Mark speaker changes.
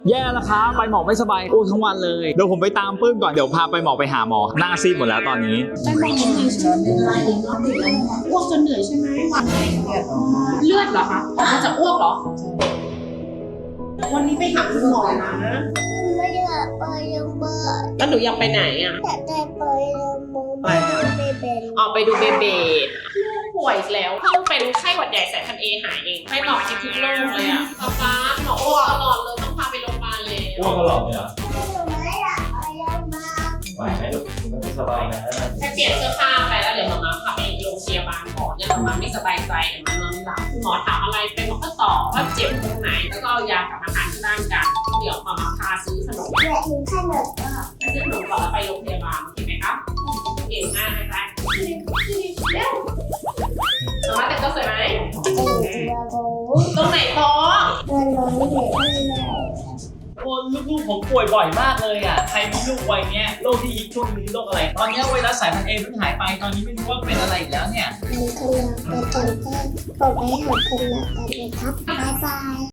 Speaker 1: แย่แล้วครับไปหมอไม่สบายทั้งวันเลยเดี๋ยวผมไปตามปื้มก่อนเดี๋ยวพาไปหมอไปหาหมอหน้าซีดหมดแล้วตอนนี้
Speaker 2: ไปหมอเหนื่อยใช่ไหมอ้วกจนเหนื่อยใช่ไหมเลือดเหรอคะออกมาจากอ้วกเหรอวันนี้ไปหาคุณหมอนะ
Speaker 3: ไม่อยากไปโรงพยาบาล
Speaker 2: แล้วหนูอยากไปไหนอ่ะ
Speaker 3: อยากได้ไปโรงพยาบาลไปเป็น
Speaker 2: ออกไปดูเบเบป่วยอีกแล้วเพิ่งเป็นไข้หวัดใหญ่สายพันธุ์ A หายเองให้หมอคิดทุกโรคเลยอ่ะป๊าหมออ้วกตลอดเลยต้องพาไปโรงพยาบาลเลย
Speaker 1: อ้วกตลอดเลยเหรอ
Speaker 3: หนูไม่อยากไปโรงพยาบาล
Speaker 1: ไหวไหมลูกไม่สบายนะ
Speaker 2: ไปเปลี่ยนเสื้อผ้าไปแล้วเดี๋ยวหมอพาไปโรงพยาบาลก่อนเนี่ยหมอไม่สบายใจเดี๋ยวมันนอนไม่หลับหมอถามอะไรไปหมอก็ตอบว่าเจ็บตรงไหนแล้วก็เอายากับอาหารที่บ้านกันเดี๋ยวหมอพาซื้อขนม
Speaker 3: อยากกินขนมก็
Speaker 2: ไปซื้อขนมก่อนแล้วไปโรงพยาบาลโอเคไหมครับเก่งมากนะคะเร็วน้องแต่งตัวสวยไหม
Speaker 3: เป็นตัวโบ
Speaker 2: ตรงไหนโต๊ะ
Speaker 3: มันร้อนเห็นไม่ได้
Speaker 1: คนลูกๆผมป่วยบ่อยมากเลยอ่ะใครมีลูกวัยเนี้ยโรคที่ฮิตช่วงนี้โรคอะไร ตอนนี้ไวรัสสายพันธุ์เอเพิ่งหายไปตอนนี้ไม่รู้ว่าเป็นอะไรอีกแล้วเนี่ย
Speaker 3: มีขนมไปกันก็บอกให้หาขนมกันเลยครับบ๊ายบาย